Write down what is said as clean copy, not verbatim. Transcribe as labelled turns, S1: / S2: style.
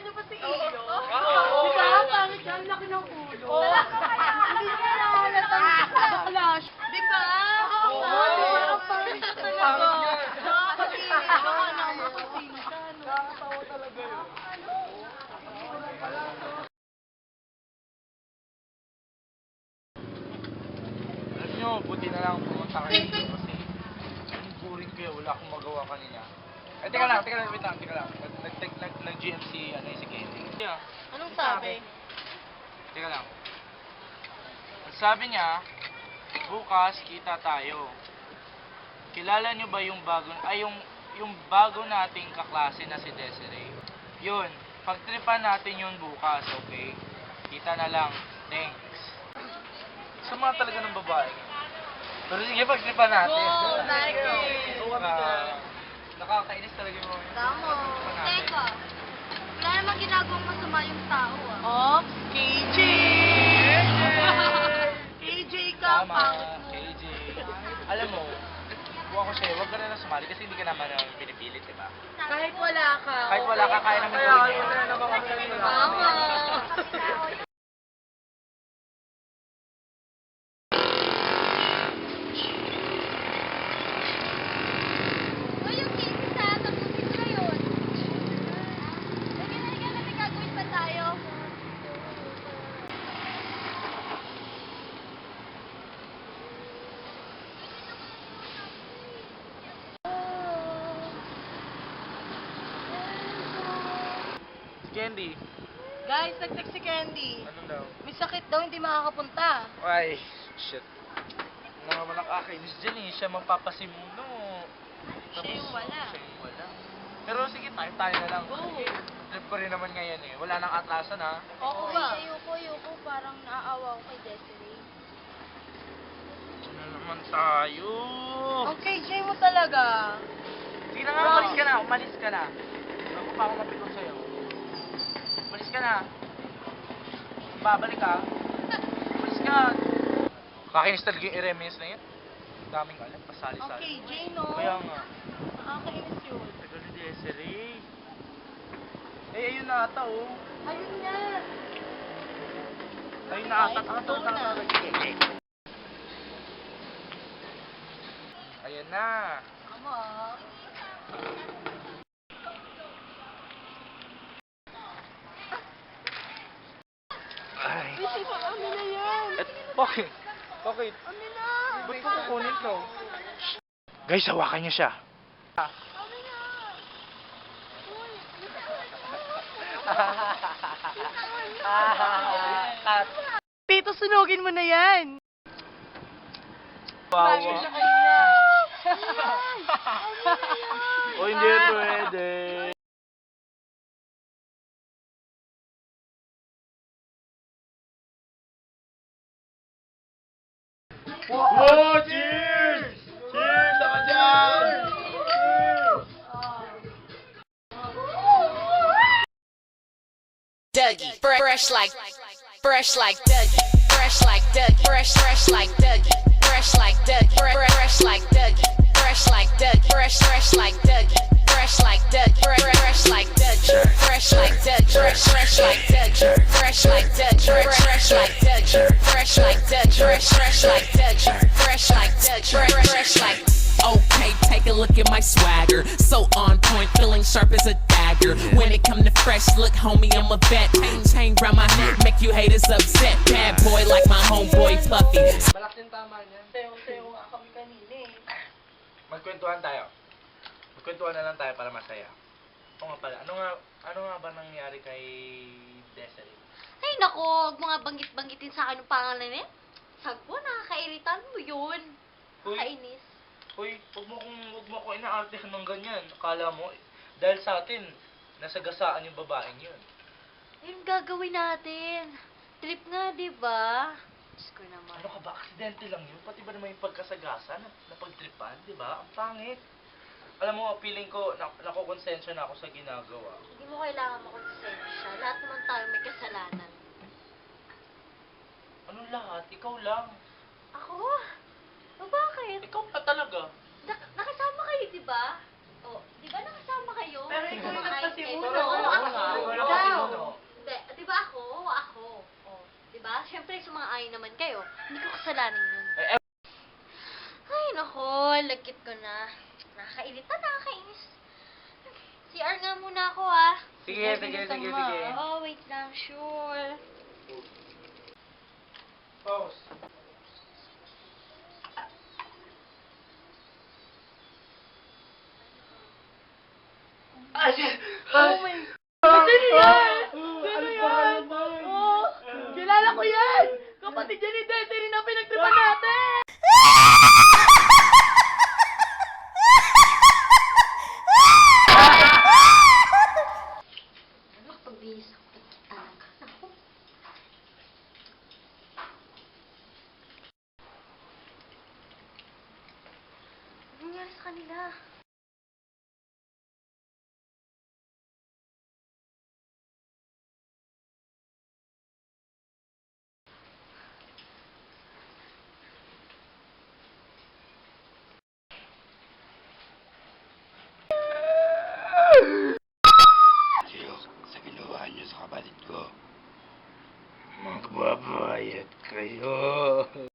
S1: niyo pa si Iyo.
S2: Di ba? Pangit siya. Ang laki ng ulo. Hindi niya nahalata sa flash. Di ba? Oo, di ba? Ang pangit siya talaga. Nakakatinig. Baka naman kung sino siya.
S3: Nakakatawa talaga yun. Alam nyo, buti na lang pumunta kayo dito kasi ang boring kayo, wala akong magawa kanina. Eh, teka lang, wait lang, teka lang. Nag-GMC, si Candy. Yeah.
S2: Anong sabi?
S3: Teka lang. Ang sabi niya, bukas kita tayo. Kilala niyo ba yung bago nating kaklase na si Desiree? Yun, pagtripan natin yun bukas, okay? Kita na lang. Thanks. Sama talaga ng babae. Pero sige, pagtripan natin.
S2: Go, Nike!
S3: Nakakainis talaga yung mga
S1: Tama. Teka. Wala namang ginagawang masama yung tao ah.
S2: Ops, KJ! KJ ka,
S3: Tama,
S2: pangit mo.
S3: KJ. Alam mo, kung ako sa'yo, huwag ka na lang sumali kasi hindi ka naman pinipilit, di ba?
S2: Kahit wala ka.
S3: Kahit wala ka, kaya naman gawin yun.
S2: Tama.
S1: O yung case sa tapusin ko yun. Halika na, may gagawin pa tayo.
S3: Candy,
S2: Guys, nag-text si Candy.
S3: ano daw?
S2: May sakit daw, hindi makakapunta.
S3: Ay, shit. Naman nakakainis dyan eh. Siya magpapasimuno.
S2: Siya yung wala.
S3: Siya yung wala. Pero sige, tayo na lang.
S2: Go.
S3: Trip ko rin naman ngayon eh. Wala nang atlasan ha.
S2: Oo ba?
S1: Ayoko. Parang naaawa ko kay Desiree.
S3: Ano naman tayo?
S2: Ang KJ mo talaga.
S3: Sige na nga, umalis ka na. Bago pa ako mapikon sa'yo. Umalis ka na. Babalik ka. Umalis ka. Kakinis talaga yung i-reminis na yun. Daming alam,
S2: Ang
S3: pasali-sali.
S2: KJ, no?
S3: Kaya nga.
S2: Nakakainis yun.
S3: Tagal ni Desiree. Eh, ayun na ata oh.
S2: Ayun na.
S3: Ayun na ata.
S2: Ito na.
S3: Ayan na.
S2: Tama.
S3: Ay.
S2: Ano na yan?
S3: Bakit? Bakit?
S2: Ano na?
S3: Ba't ko kukunin to? Guys, hawakan niyo siya.
S2: Tito, sunugin mo na yan. Bagay siya
S3: Wawa.
S2: kanina.
S3: O hindi pwede. Wow! Cheers! Cheers! Ako dyan!
S4: Dougie, fresh like Dougie, fresh like Dougie, fresh like Dougie, fresh like Dougie, fresh like Dougie, fresh like Dougie, fresh like Dougie, fresh like Dougie, fresh like Dougie, fresh like Dougie, fresh like Dougie, fresh like Dougie, fresh like Dougie, fresh like Dougie, fresh like Dougie, fresh like Dougie, fresh like. Okay, take a look at my swagger. So on point, feeling sharp as a dagger. When it come to fresh look, homie, I'm a vet. Chain round my neck, make you haters upset. Bad boy like my homeboy Puffy.
S3: Malaking tama niya.
S2: Sayo-sayo nga kami kanina eh.
S3: Magkwentuhan tayo. Magkwentuhan na lang tayo para masaya. O nga pala, ano nga ba nangyari kay Desiree?
S1: Ay nako, huwag mo nga banggit-banggitin sa akin yung pangalan niya. Sagpo, nakakairitan mo yun.
S3: Uy.
S1: Kainis.
S3: Uy, huwag mo ko inaartihan ng ganyan. Akala mo, dahil sa atin, nasagasaan yung babaeng yun.
S1: Yung gagawin natin. Trip nga, di ba? Diyos ko naman.
S3: Ano ka ba? Aksidente lang yun. Pati ba naman yung pagkasagasa na pagtripan, di ba? Ang pangit. Alam mo, feeling ko, nakukonsensya na ako sa ginagawa.
S1: Hindi mo kailangan makonsensya. Lahat naman tayo may kasalanan.
S3: Anong lahat? Ikaw lang.
S1: Ako? O bakit?
S3: Ikaw pa talaga.
S1: Nakasama kayo, di ba? O, di ba nakasama kayo?
S2: Pero ikaw yung
S1: Kumakain
S2: nagpasimuno.
S1: kayo.
S2: Oo,
S1: Ako.
S2: ako.
S1: Ikaw. ba? Siyempre, sumang-ayon naman kayo. Hindi ko kasalanan yun.
S3: Eh,
S1: Ay, nako, lagkit ko na. Nakakairita, nakakainis. CR nga muna ako, ah.
S3: Sige.
S1: Oh, wait lang, sure.
S3: Pause.
S2: Oh my God! Sino yan? Sino yan? Oh, kilala ko yan! Kapatid yan ni Desiree na pinagtripan natin!
S1: Ano, pagbihis ako talaga. Naku. Ano nangyari sa kanila?
S5: Sa ginawa niyo sa kapatid ko. Magbabayad kayo.